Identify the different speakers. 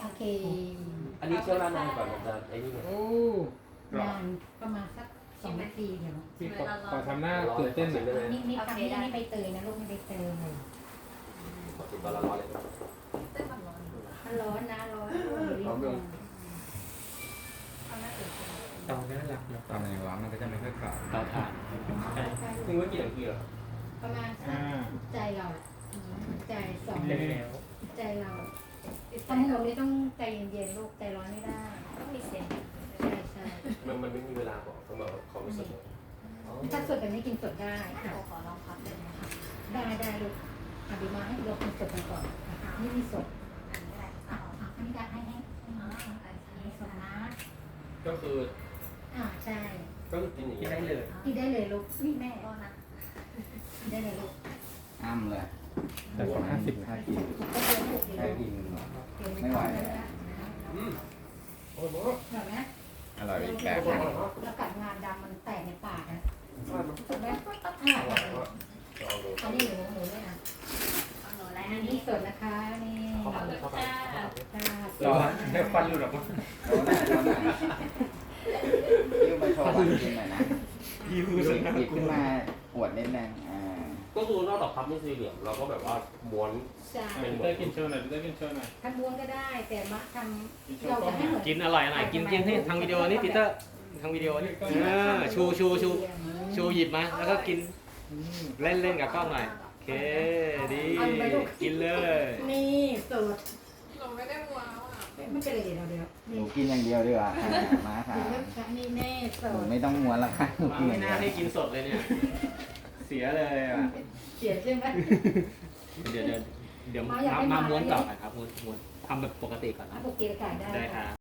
Speaker 1: โอเค
Speaker 2: อันนี้เชี่ยวนานก่อนมันจะไอ้นี่ไง
Speaker 3: โอ้
Speaker 1: นานประมาณสัก2 นาทีเดี๋ยว
Speaker 3: พี่ขอทำหน้าตื่นเต้นหน่อยได้ไหม
Speaker 1: นิดๆทำนี่ไม่ใบเตยนะลูกไม่ใบเตย
Speaker 2: ขอติดตอนร้อนเลย
Speaker 4: เต้นความร้อน
Speaker 1: มันร้อนนะร้อน
Speaker 4: ทำหน้าตื่นเต้น
Speaker 3: ตอนนี้หลักตอนไหนร้อนมันก็จะไม่ค่อยขาว
Speaker 2: เตาถ่านถึงว่ากี่นาทีเหรอ
Speaker 1: ประมาณสักใจเราใจ2
Speaker 3: แล้ว
Speaker 1: ใจเราทำหมดนี้ต้องใจเย็นๆลูกใจร้อนไม่ได้
Speaker 4: ต้องมีเสียง
Speaker 1: ใช่ใช่
Speaker 2: มันไม่มีเวลาบอกต้องแบบความรู้สึก
Speaker 1: ถ้าสดแบบนี้กินสดได้
Speaker 4: โอ้ขอลองพับเลยนะคะ
Speaker 1: ได้ลูกอภิมาให้เรากินสดกันก่อนนี่มีสด
Speaker 4: อันนี้อะไร
Speaker 1: อันนี้ได้ให้
Speaker 4: อันนี้สดนะ
Speaker 2: ก็คือ
Speaker 1: ใช่
Speaker 2: ก็คือกินอย่างนี้ได้เลย
Speaker 1: กินได้เลยลูกนี่แม่
Speaker 4: ก็นะ
Speaker 1: กินได้เลยลูก
Speaker 5: อ้ำเลย
Speaker 3: แต่กว่า50
Speaker 5: ถ้ากิน
Speaker 1: ก็เดินลูกเดี๋ยว
Speaker 5: แค่กิน ไม่ไหวเลย
Speaker 2: โอ้โห
Speaker 1: เห็นไหม
Speaker 5: อร่อยอีกแบบ
Speaker 1: แล้วกัดงานดำมันแตกในปากนะถูกไหมอันนี้หนูด้วยนะ
Speaker 4: เอาหนูอะไร
Speaker 1: อั
Speaker 4: อั
Speaker 1: น
Speaker 4: น
Speaker 1: นี้
Speaker 4: นี้
Speaker 1: สดนะคะนี่
Speaker 2: เข้าไปเข้าไป
Speaker 3: ร้อนได้ควันหลุดออกมา
Speaker 5: โต๊ะไหนโต๊ะไหนยิ้วไปโชว์วันกินหน่อยนะ
Speaker 3: ยิ้ว
Speaker 5: หยิบขึ้นมาอวดนิดนึง
Speaker 2: ก็คือนอกจากพับนี่สี่เหลี่ยมเราก็แบบว่าม้วน
Speaker 1: ใช่
Speaker 2: เป็น
Speaker 3: ได้กินโชว์หน่อยได้กินโชว์หน่อย
Speaker 1: ทำม้วนก็ได้แต่มาทำเราจะให้เหมือน
Speaker 6: กินอร่อยกินให้ทางวิดีโอนี่ปีเตอร์ทางวิดีโอนี่ชูหยิบมาแล้วก็กินเล่นกับกล้องหน่อยโอเคดีกินเลย
Speaker 1: นี่สด
Speaker 4: เราไม่ได้ว้าวอ่ะ
Speaker 1: ไม่เป็นไรเดี๋ยว
Speaker 5: ห
Speaker 1: นี่
Speaker 5: นูกินอย่างเดียวดีกว่ามาค่ะ
Speaker 1: นี่แน่ส
Speaker 5: หนู
Speaker 1: ด
Speaker 5: ไม่ต้องม้วนแล้วค่ะหนูกินอ
Speaker 6: ไม่
Speaker 5: ย่างเดี
Speaker 6: น่า
Speaker 5: ยว
Speaker 6: ให้กินสดเลยเนี่ยเสียเลยอ่ะ
Speaker 1: เสียใช่ไหม
Speaker 6: เดี๋ยวมาม้วนต่อครับม้วนทำแบบปกติก่อนนะ
Speaker 1: ปกติขายได้
Speaker 6: ได้ครับ